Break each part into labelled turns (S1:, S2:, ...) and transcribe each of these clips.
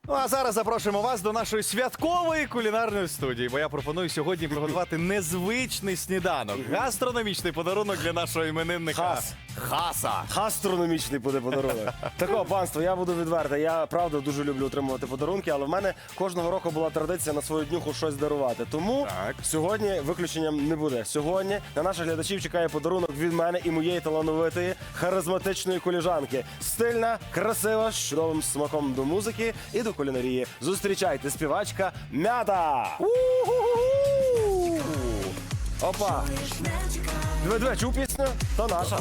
S1: Ну а зараз запрошуємо вас до нашої святкової кулінарної студії, бо я пропоную сьогодні приготувати незвичний сніданок. Гастрономічний подарунок для нашого іменинника Хаса.
S2: Гастрономічний буде подарунок. Такого, панство, я буду відвертий. Я, правда, дуже люблю отримувати подарунки, але в мене кожного року була традиція на свою днюху щось дарувати. Тому
S1: Так.
S2: сьогодні виключенням не буде. Сьогодні на наших глядачів чекає подарунок від мене і моєї талановитої, харизматичної коліжанки. Стильна, красива, з чудовим смаком до музики і до кулінарії. Зустрічайте, співачка Мята! У-ху-ху-ху! Опа! Диви, чув пісню? То наша.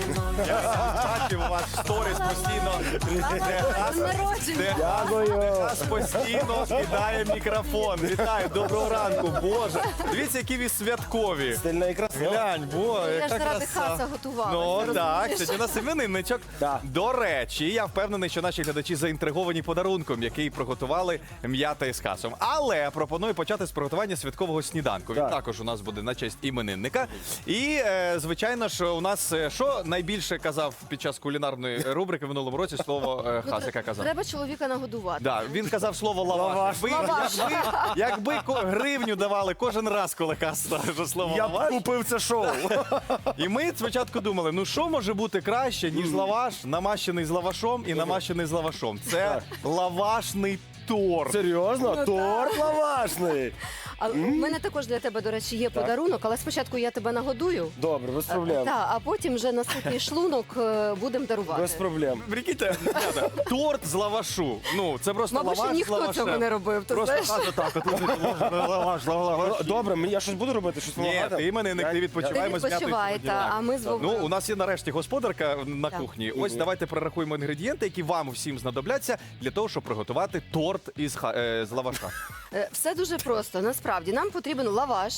S1: Бачив у вас в сторіс постійно.
S3: Народження.
S2: Дякую.
S1: Нас постійно кидає мікрофон. Вітаю, доброго ранку, Боже. Дивіться, які ви святкові.
S2: Стильна і красива.
S1: Глянь, бо,
S3: Я ж
S1: яка
S3: заради
S1: краса.
S3: Хаса готувала.
S1: Ну так, сьогодні у нас іменинничок.
S2: Так.
S1: До речі, я впевнений, що наші глядачі заінтриговані подарунком, який приготували М'ята із Хасом. Але пропоную почати з приготування святкового сніданку. Він
S2: Так.
S1: також у нас буде на честь іменинника. І, звичайно ж, у нас що найбільше казав під час кулінарної рубрики в минулому році слово Хас, яка казав?
S3: Треба чоловіка нагодувати.
S1: Да, він казав слово лаваш.
S2: Лаваш.
S1: Якби гривню давали кожен раз, коли Хас скаже слово
S2: Я б
S1: лаваш.
S2: купив це шоу.
S1: І ми спочатку думали, ну що може бути краще, ніж лаваш, намащений з лавашом і намащений з лавашом. Це лавашний торт.
S2: Серйозно?
S3: Ну,
S2: Торт лавашний.
S3: А у мене також для тебе, до речі, є подарунок, але спочатку я тебе нагодую.
S2: Добре, без проблем.
S3: Так, а потім вже на ситий шлунок будемо дарувати.
S2: Без проблем.
S1: Прикиньте, ребята, торт з лавашу. Ну, це просто
S3: Мабуть,
S1: лаваш
S3: ще
S1: з
S3: ніхто
S1: лавашем.
S3: цього не робив, ти
S1: Просто
S3: знаєш?
S1: Хас отак, от лаваш.
S2: Добре, я щось буду робити, щось
S1: Ні,
S2: допомагати?
S1: ти іменинник, ти відпочивай,
S3: Ти
S1: ми з М'ятою
S3: відпочивай,
S1: сьогодні.
S3: та, а ми з Вовком.
S1: Ну, у нас є нарешті господарка на
S3: Так.
S1: кухні. Ось давайте перерахуємо інгредієнти, які вам всім знадобляться для того, щоб приготувати торт з лаваша.
S3: Все дуже просто. Насправді нам потрібен лаваш,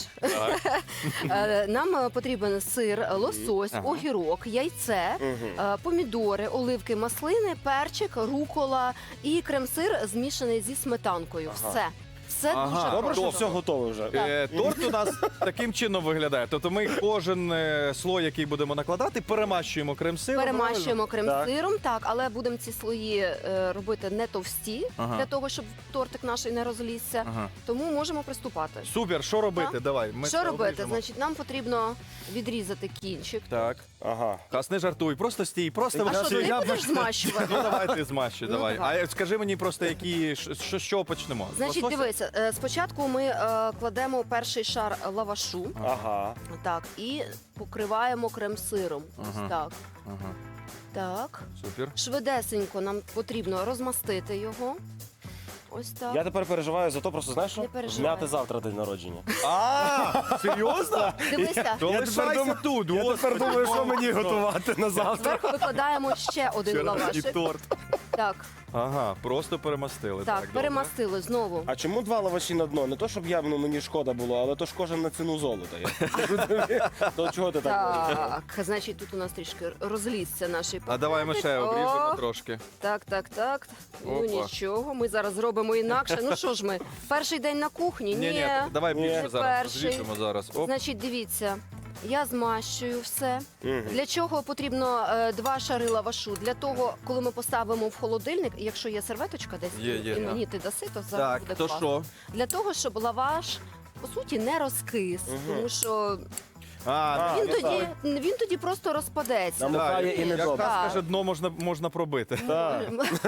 S3: нам потрібен сир, лосось, огірок, яйце, помідори, оливки, маслини, перчик, рукола і крем-сир змішаний зі сметанкою. Все. Все
S1: Ага.
S3: дуже
S2: Добре, що
S3: просто.
S2: все готове вже.
S1: Торт у нас таким чином виглядає. Тобто ми кожен слой, який будемо накладати, перемащуємо крем-сиром.
S3: Перемащуємо крем-сиром, так, але будемо ці слої робити не товсті,
S1: Ага.
S3: для того, щоб тортик наш не розлізся.
S1: Ага.
S3: Тому можемо приступати.
S1: Супер, що робити?
S3: Так.
S1: Давай. Ми
S3: Що
S1: це
S3: робити?
S1: обріжемо.
S3: Значить, нам потрібно відрізати кінчик.
S1: Так.
S2: Ага.
S1: Хас, не жартуй, просто стій, просто
S3: А що, ти
S1: я
S3: не будеш змащувати?
S1: Ну давай ти змащуй,
S3: Ну,
S1: давай.
S3: давай.
S1: А скажи мені просто, які з чого почнемо? З
S3: Значить,
S1: лосося?
S3: дивися, спочатку ми кладемо перший шар лавашу,
S2: Ага.
S3: так, і покриваємо крем-сиром. Ось
S1: Ага.
S3: так.
S1: Ага,
S3: Так.
S1: супер.
S3: Швидесенько нам потрібно розмастити його. Ось так.
S2: Я тепер переживаю за то, просто знаєш що?
S3: Не переживай.
S2: М'яти завтра день народження.
S1: А, серйозно?
S3: Дивися,
S1: То лишайся тут,
S2: Я тепер думаю, що мені готувати на завтра.
S3: зверху викладаємо ще один
S1: І
S3: лавашик.
S1: торт.
S3: Так,
S1: Ага, просто перемастили.
S3: так,
S1: добре.
S3: перемастили знову.
S2: А чому два лаваші на дно? Не то, щоб мені шкода було, але то ж кожен на ціну золота. То чого ти так говориш?
S3: Так, значить, тут у нас трішки розлізся наш
S1: А давай ми ще
S3: О,
S1: обріжемо трошки.
S3: Так, так, так. Ну
S1: Опа.
S3: нічого, ми зараз зробимо інакше. Ну що ж ми, перший день на кухні?
S1: Ні, давай
S2: Ні.
S1: більше
S3: Не
S1: зараз
S3: перший.
S1: розріжемо зараз. Оп.
S3: Значить, дивіться, я змащую все.
S2: Мгм.
S3: Для чого потрібно 2 шари лавашу? Для того, коли ми поставимо в холодильник, якщо є серветочка десь,
S1: Є,
S3: і
S1: так.
S3: мені ти даси, то зараз
S1: Так,
S3: буде
S1: то
S3: класно.
S1: що?
S3: Для того, щоб лаваш, по суті, не розкис, тому що
S1: А,
S3: він,
S2: ну
S3: тоді, він тоді просто розпадеться.
S2: Нам- Намокає і не
S1: як
S2: добре.
S1: Хас каже, дно можна пробити.
S2: Так.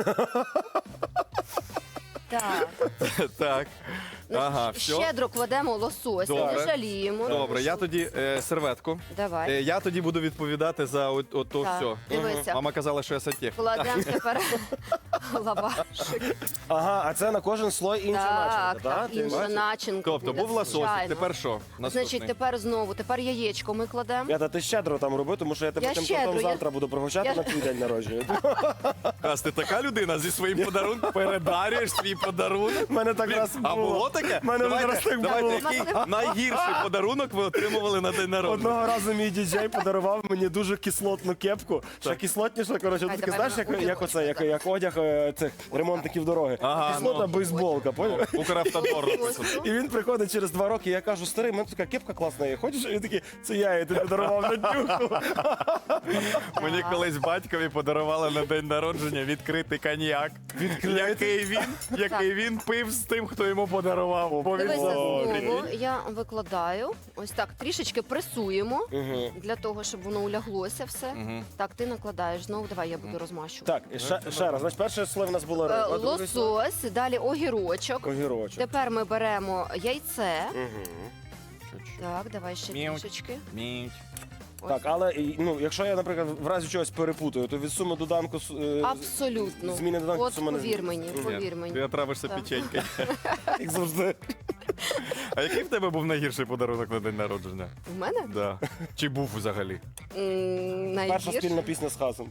S3: Так.
S1: Так. Ага, все.
S3: Щедро кладемо лосось,
S1: Добре.
S3: не жаліємо.
S1: Добре, я тоді серветку.
S3: Давай.
S1: Я тоді буду відповідати за ото
S3: Так,
S1: все.
S3: дивися.
S1: Мама казала, що я сантехнік.
S3: Кладемо тепер лавашик.
S2: Ага, а це на кожен слой інша начинка,
S3: Так,
S2: так?
S3: так,
S2: Ти
S3: інша
S2: бачиш?
S3: начинка.
S1: Тобто
S3: буде,
S1: був лососик,
S3: звичайно.
S1: тепер що? Наступний.
S3: Значить, тепер яєчко ми кладемо.
S2: М'ята, ти щедро там роби, тому що я тебе
S3: Я
S2: тим
S3: щедро,
S2: тортом
S3: я-
S2: завтра буду пригощати
S3: я-
S2: на твій день народження.
S1: Хас, ти така людина зі своїм подарунком передарюєш свій подарунок.
S2: У мене так
S1: Блін,
S2: раз
S1: а було таке?
S2: У мене раз так
S1: давайте,
S2: було.
S1: який найгірший подарунок ви отримували на день народження?
S2: Одного разу мій діджей подарував мені дуже кислотну кепку. Ще кислотніша, коротше,
S3: Ай,
S2: таке,
S3: давай
S2: знаєш,
S3: на одяг
S2: як оце, як одяг цих ремонтників дороги.
S1: Ага,
S2: Кислотна
S1: ну.
S2: бейсболка, поняв?
S1: Укравтодор.
S3: Ось.
S2: І він приходить через 2 роки, я кажу, старий, в мене така кепка класна є, хочеш? І він такий, це я тобі дарував на днюху.
S1: Мені колись батькові подарували на день народження відкритий коньяк. Який він пив з тим, хто йому подарував. Бо він
S3: Дивися
S1: був
S3: знову, я викладаю. Ось так, трішечки пресуємо,
S2: Мгм.
S3: для того, щоб воно уляглося все. Так, ти накладаєш знову, давай я буду розмащувати.
S2: Так, і ще раз, значить, перше слово в нас було риба, друге слово
S3: Лосось, далі огірочок.
S2: огірочок.
S3: Тепер ми беремо яйце.
S2: Мгм.
S3: Так, давай ще
S1: М'ють.
S3: трішечки.
S1: Міть.
S3: Ось.
S2: Так, але ну, якщо я, наприклад, в разі чогось перепутаю, то від суми доданку
S3: Абсолютно.
S2: зміни доданку
S3: От
S2: сума не
S3: повір
S2: зміниться.
S3: мені,
S2: Мгм.
S3: повір
S1: Ти
S3: мені.
S1: отравишся
S3: Так.
S1: печенькою.
S2: Як завжди.
S1: А який в тебе був найгірший подарунок на день народження?
S3: В мене?
S1: Да. Чи був взагалі?
S2: Перша
S3: Найгірше.
S2: спільна пісня з Хасом.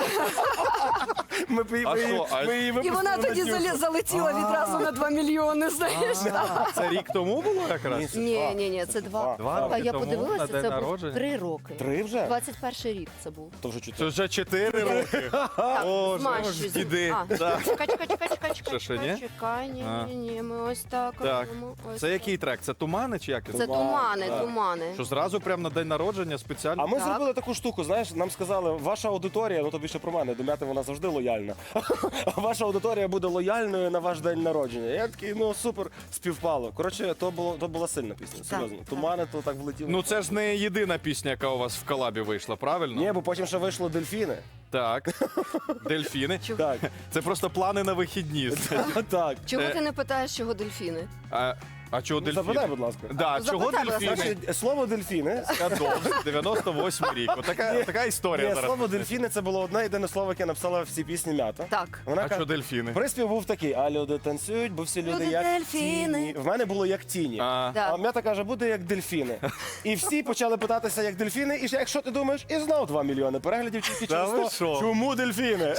S2: Ми
S1: А що? А-
S2: її
S3: І
S2: випустили
S3: вона
S2: на
S3: тоді
S2: днюху.
S3: залетіла відразу на 2 мільйони, знаєш.
S1: Це рік тому було якраз?
S3: Ні, це 2.
S1: Два
S3: Та
S1: роки
S3: я
S1: тому
S3: подивилася,
S1: на день
S3: це був
S1: народження?
S3: 3 роки.
S2: 3 вже?
S3: 21 рік це був.
S2: То вже
S1: Це
S2: 4.
S1: вже 4 роки.
S3: Так,
S1: Боже,
S3: змащуй.
S1: іди.
S3: А,
S1: Да.
S3: Чекай, чекай.
S1: Що, ще ні?
S3: Чекай,
S1: А.
S3: ні, ми ось так
S1: Так.
S3: робимо. Ось
S1: Це
S3: так.
S1: який трек? Це тумани чи як?
S3: Це тумани,
S2: Так.
S3: тумани.
S1: Що зразу прямо на день народження спеціально?
S2: А ми
S3: Так.
S2: зробили таку штуку, знаєш, нам сказали, ваша аудиторія, ну то більше про мене, до Мяти вона завжди лояльна. Ваша аудиторія буде лояльною на ваш день народження. Я такий, ну супер, співпало. Коротше, то була сильна пісня, серйозно.
S3: так.
S2: Тумани, то так влетіло.
S1: Ну це ж не єдина пісня, яка у вас в колабі вийшла, правильно?
S2: Ні, бо потім ще вийшло дельфіни.
S1: Так. Дельфіни.
S2: Так,
S1: Це просто плани на вихідні.
S2: так.
S3: Чого ти не питаєш, чого дельфіни?
S1: А чого
S2: Ну, Запитай,
S1: дельфіни?
S2: будь ласка.
S1: Да, чого
S3: Запитай, будь ласка.
S1: дельфіни?
S2: Значить, слово дельфіни.
S1: Кадовськ, 98 рік. Така історія
S2: Ні,
S1: зараз.
S2: слово дельфіни це було одне єдине слово, яке написала всі пісні Мята.
S3: Так.
S2: Вона
S1: А що
S2: каже,
S1: дельфіни?
S2: приспів був такий, а люди танцюють, бо всі люди
S3: Люди
S2: як
S3: дельфіни.
S2: тіні. В мене було як тіні.
S1: А,
S3: Так.
S2: А Мята каже, буде як дельфіни. І всі почали питатися, як дельфіни, і якщо ти думаєш, і знов 2 мільйони переглядів тільки
S1: Та
S2: через
S1: ви
S2: то,
S1: що?
S2: чому дельфіни?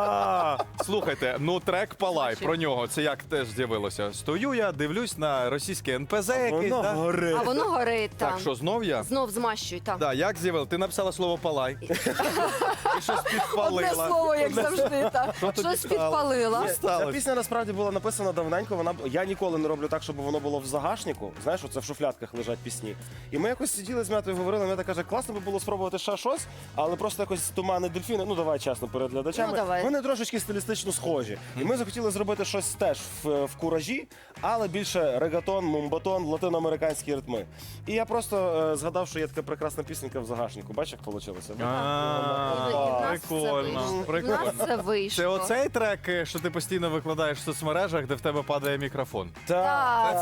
S1: Слухайте, ну трек Палай, про нього, це як теж з'явилося. Стою я, дивлюсь на російське НПЗ якесь,
S2: Воно
S1: да?
S2: горить.
S3: А воно горить там.
S1: Так, що, знов я?
S3: Знов змащуй, так.
S1: Да, як з'явилося? Ти написала слово Палай. І щось
S3: Одне
S1: підпалила.
S3: слово, як завжди, так.
S1: тобі
S3: Щось
S1: стало?
S3: підпалила.
S2: Ця
S1: сталося?
S2: пісня насправді була написана давненько. Я ніколи не роблю так, щоб воно було в загашнику. Знаєш, оце в шуфлятках лежать пісні. І ми якось сиділи з Мятою, говорили. Мята каже, класно би було спробувати ще щось, але просто якось тумани дельфіни. Ну давай чесно перед глядачами.
S3: Ну, давай.
S2: Вони трошечки стилістично схожі. І ми захотіли зробити щось теж в куражі, але більше регатон, мумбатон, латиноамериканські ритми. І я просто згадав, що є така прекрасна пісенька в загашнику. Бачиш, як вийшло?
S3: І в нас це
S1: Прикольно,
S3: вийшло. В
S1: прикольно.
S3: нас це вийшло.
S1: Це оцей трек, що ти постійно викладаєш в соцмережах, де в тебе падає мікрофон.
S3: Так,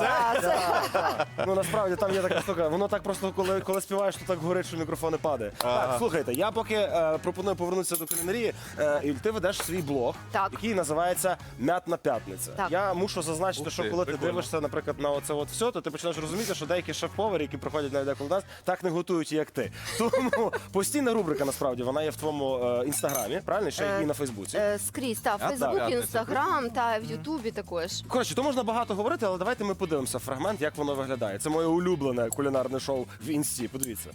S3: це
S2: Ну насправді там є така штука. Воно так просто, коли співаєш, то так горить, що мікрофон не падає. Так, слухайте, я поки пропоную повернутися до кулінарії. І ти ведеш свій блог,
S3: Так.
S2: який називається Мятна п'ятниця.
S3: Так.
S2: Я мушу зазначити,
S1: Ух
S2: що
S1: ти,
S2: коли ти
S1: прикольно.
S2: дивишся, наприклад, на оце от все, то ти починаєш розуміти, що деякі шеф-повари, які приходять навіть деколи до нас, так не готують, як ти. Тому постійна рубрика, насправді, вона є в твоєму інстаграмі, правильно? Ще і на Фейсбуці.
S3: скрізь, так,
S1: так,
S3: Фейсбук,
S1: так.
S3: Інстаграм, та в Ютубі також.
S2: Коротше, то можна багато говорити, але давайте ми подивимося фрагмент, як воно виглядає. Це моє улюблене кулінарне шоу в інсті. Подивіться.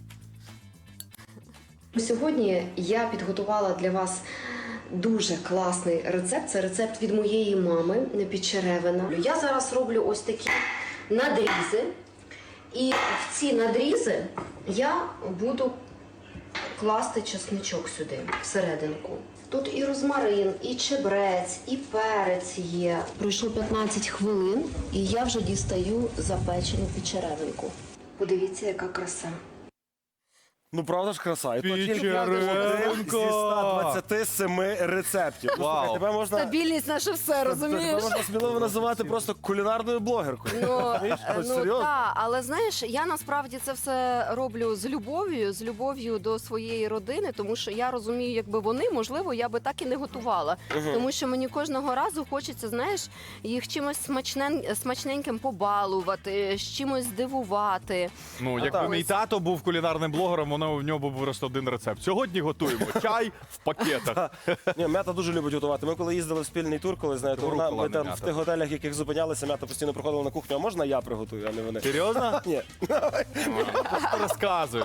S4: Сьогодні я підготувала для вас дуже класний рецепт. Це рецепт від моєї мами Підчеревина. Я зараз роблю ось такі надрізи. І в ці надрізи я буду класти чесничок сюди, всерединку. Тут і розмарин, і чебрець, і перець є. Пройшло 15 хвилин, і я вже дістаю запечену підчеревинку. Подивіться, яка краса.
S2: Ну, правда ж краса. І то тільки
S1: Підчеревинка.
S2: один зі 127 рецептів. Ну,
S1: Вау.
S2: слухай, тебе можна...
S3: Стабільність наше все,
S2: Тебе
S3: розумієш?
S2: можна сміливо називати просто кулінарною блогеркою. Розумієш? Ось серйозно.
S3: так, але знаєш, я насправді це все роблю з любов'ю до своєї родини, тому що я розумію, якби вони, можливо, я би так і не готувала. Тому що мені кожного разу хочеться, знаєш, їх чимось смачненьким побалувати, з чимось здивувати.
S1: Ну, якби
S2: так.
S1: мій тато був кулінарним блогером, в нього був просто один рецепт. Сьогодні готуємо чай в пакетах.
S2: Ні, Мята дуже любить готувати. Ми коли їздили в спільний тур, коли знаєте,
S1: Рукола
S2: ми
S1: не
S2: там
S1: Мята.
S2: в тих готелях, в яких зупинялися, Мята постійно приходила на кухню. А можна я приготую, а не вони?
S1: Серйозно?
S2: Ні.
S1: Що ти розказуєш?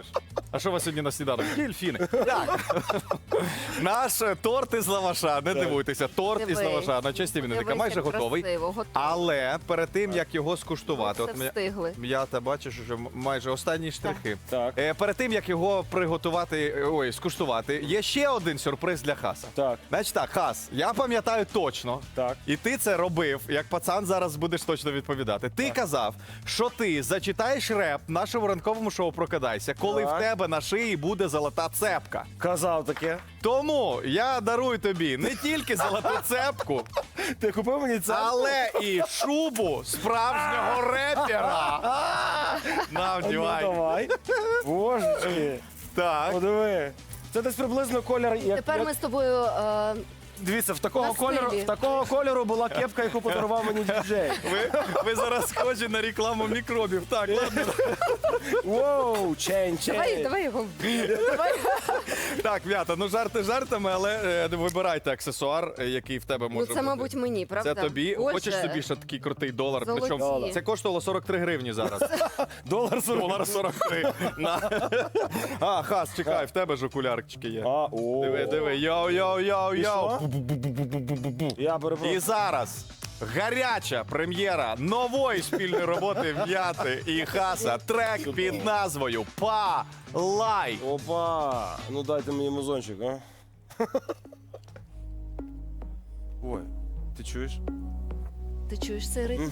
S1: А що у вас сьогодні на сніданок? Дельфіни. Так. Наш торт із лаваша, не дивуйтеся, торт із
S3: Дивись.
S1: лаваша на честь іменинника
S3: Дивись,
S1: майже
S3: як
S1: готовий.
S3: красиво, готовий.
S1: Але перед тим, як його скуштувати,
S3: Все встигли.
S1: я та бачиш, що майже останні штрихи.
S2: Так.
S1: Перед тим, як його приготувати, скуштувати, є ще один сюрприз для Хаса.
S2: Так.
S1: Значить так, Хас, я пам'ятаю точно,
S2: Так.
S1: і ти це робив, як пацан зараз будеш точно відповідати. Ти казав, що ти зачитаєш реп нашому ранковому шоу «Прокидайся», коли
S2: Так.
S1: в тебе на шиї буде золота цепка.
S2: Казав таке.
S1: Тому я дарую тобі не тільки золоту цепку,
S2: Ти купив мені це?
S1: але і шубу справжнього репера. На,
S2: Ну,
S1: вдівай.
S2: давай. Божечки.
S1: Так.
S2: Подиви. Це десь приблизно колір, як...
S3: Тепер ми з тобою
S2: Дивіться,
S3: На стилі.
S2: в такого кольору була кепка, яку подарував мені діджей.
S1: Ви зараз схожі на рекламу мікробів. Так, ладно.
S2: Воу, чейн.
S3: давай його. Давай.
S1: Так, Вята, ну жарти жартами, але вибирайте аксесуар, який в тебе може
S3: Ну
S1: бути.
S3: це, мабуть, мені, правда?
S1: Це тобі.
S3: Боже.
S1: Хочеш собі ще такий крутий долар?
S3: Золоті.
S1: Причому це коштувало 43 гривні зараз.
S2: Долар 40.
S1: Долар 43. На. А, Хас, чекай, в тебе ж окулярчики є. Диви, йоу-йоу-йоу-йоу.
S2: Я перепрошую.
S1: І зараз гаряча прем'єра нової спільної роботи В'яти і Хаса. Трек під назвою «Палай».
S2: Опа! Ну дайте мені музончик, а? Ой, ти чуєш?
S3: Ти чуєш цей ритм?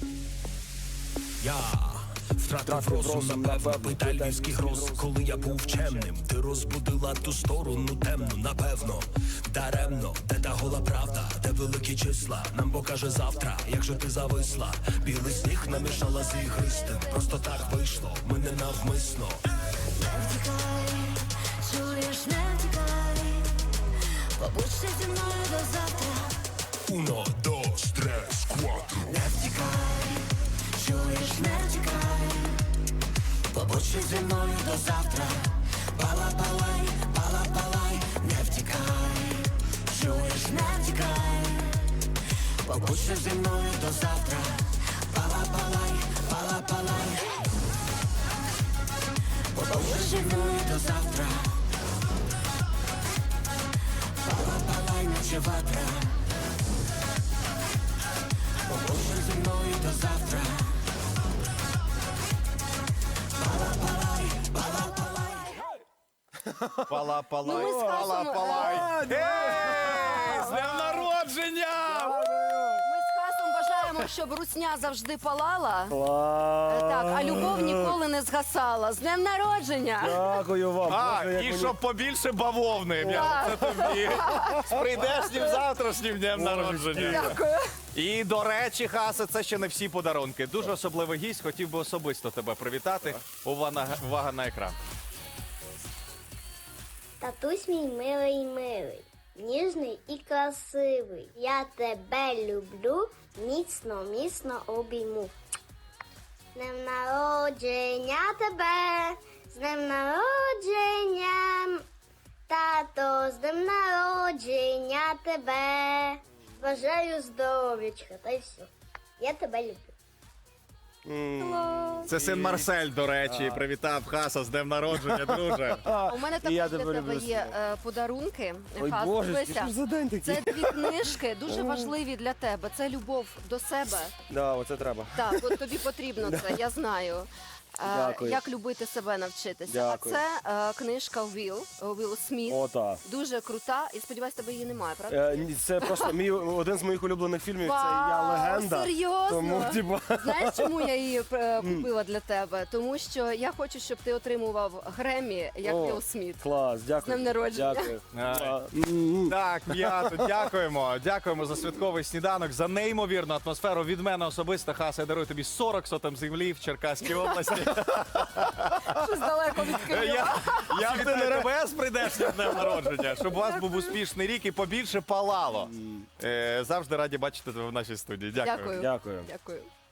S5: Я втратив розум, напевно, питай львівський гроз. Коли я був чемним, ти розбудила ту сторону темну, напевно, даремно, де та гола правда, де великі числа, нам покаже завтра, як же ти зависла. Білий сніг намішала з ігристим, просто так вийшло, ми не навмисно.
S6: Чуєш, не втікай, побудь ще зі мною до завтра.
S5: Uno, dos, tres, cuatro.
S6: Не втікай, чуєш, не втікай, побудь ще зі мною до завтра. Пала-палай, пала-палай, не втікай, чуєш, не втікай, побудь ще зі мною до завтра. Пала-палай, пала-палай, побудь ще зі мною до завтра. Пала-палай, наче ватра. Побудь ще зі мною до завтра. Пала-палай, пала-палай.
S1: Пала-палай,
S3: Ну, ми з Хасом,
S1: пала-палай. Ей, з днем народження!
S3: Ми з Хасом бажаємо, щоб русня завжди палала.
S2: Клас.
S3: Так, а любов ніколи не згасала. З днем народження!
S2: Дякую вам.
S1: А,
S2: Боже, як
S1: і
S2: мені-
S1: щоб побільше бавовни. В'ята, це тобі. З прийдешнім завтрашнім днем народження.
S3: Дякую.
S1: І, до речі, Хасе, це ще не всі подарунки. Дуже особливий гість, хотів би особисто тебе привітати. Увага на екран.
S7: Татусь мій милий, ніжний і красивий. Я тебе люблю, міцно, міцно обійму. З днем народження тебе, з днем народження, тато, з днем народження тебе. Бажаю здоров'ячка, та й все. Я тебе люблю.
S1: Це син Марсель, до речі, привітав Хаса з днем народження, друже.
S3: У мене
S2: І я
S3: також для
S2: тебе
S3: тебе
S2: люблю,
S3: є подарунки.
S2: Ой,
S3: Хас,
S2: Боже,
S3: дивися.
S2: що ж за день такий?
S3: Це дві книжки, дуже важливі для тебе. Це любов до себе.
S2: Да, оце треба.
S3: Так, от тобі потрібно це, я знаю.
S2: Дякую.
S3: Як любити себе навчитися.
S2: Дякую.
S3: А це книжка Вілл Сміт.
S2: Ота.
S3: Дуже крута. І сподіваюсь, тебе її немає, правда?
S2: Ні, це просто один з моїх улюблених фільмів. Це Я
S3: Вау,
S2: легенда.
S3: серйозно?
S2: Тому, типа,
S3: Знаєш, чому я її купила для тебе? Тому що я хочу, щоб ти отримував Греммі, як
S2: О,
S3: Вілл Сміт.
S2: клас, дякую.
S3: З днем народження.
S2: Дякую.
S1: А. Так, М'ято, дякуємо. Дякуємо за святковий сніданок, за неймовірну атмосферу. Від мене особисто, Хаса, я дарую тобі 40 сотим землі в Черкаській області.
S3: Щось далеко від Києва.
S1: Я вітаю тебе з прийдешнім днем народження, щоб у вас був успішний рік і побільше палало. Завжди раді бачити тебе в нашій студії. Дякую.
S3: Дякую.
S2: Дякую.
S3: Дякую.